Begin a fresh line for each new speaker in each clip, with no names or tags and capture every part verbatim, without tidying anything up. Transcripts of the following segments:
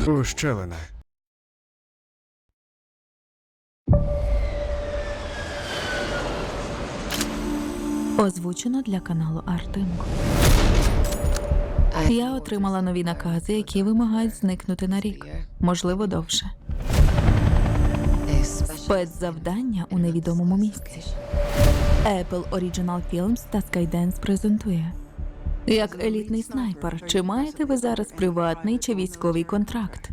Ущелина.
Озвучено для каналу Артемко. Я отримала нові накази, які вимагають зникнути на рік, можливо, довше. Спецзавдання у невідомому місці. Apple Original Films та Skydance презентує. Як елітний снайпер, чи маєте ви зараз приватний чи військовий контракт?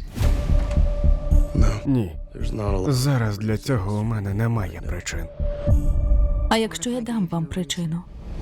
Ні. Зараз для цього у мене немає причин.
А якщо я дам вам причину?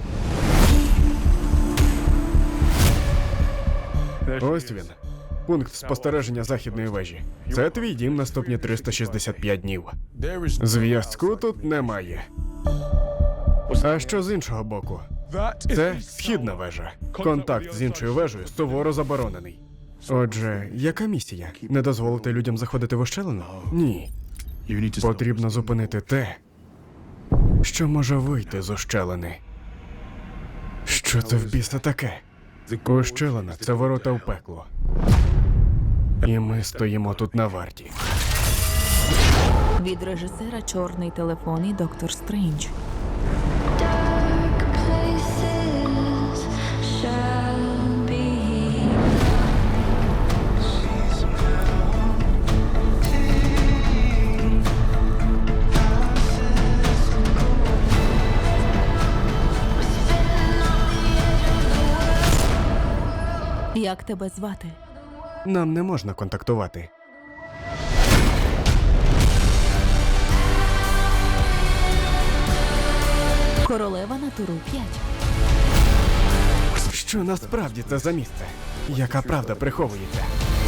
Ось він. Пункт спостереження західної вежі. Це твій дім наступні триста шістдесят п'ять днів. Зв'язку тут немає. А що з іншого боку? Це східна вежа. Контакт з іншою вежею суворо заборонений. Отже, яка місія? Не дозволити людям заходити в ущелину? Ні. Потрібно зупинити те, що може вийти з ущелини. Що це в біса таке? Ущелина – це ворота в пекло. І ми стоїмо тут на варті.
Від режисера «Чорний телефон» і «Доктор Стрендж». Як тебе звати?
Нам не можна контактувати.
Королева на туру п'ять.
Що насправді це за місце? Яка правда приховується?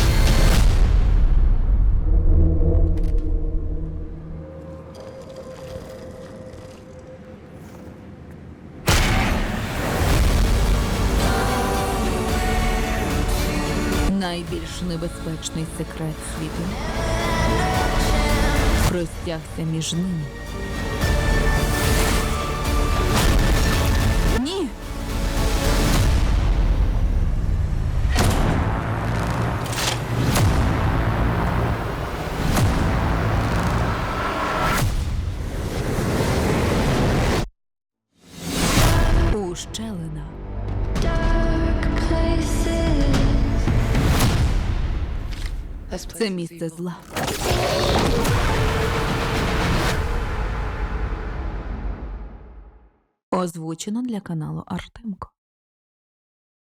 Найбільш небезпечний секрет світу простягся між ними. Ні! Ущелина. Це місце зла. Озвучено для каналу Артемко.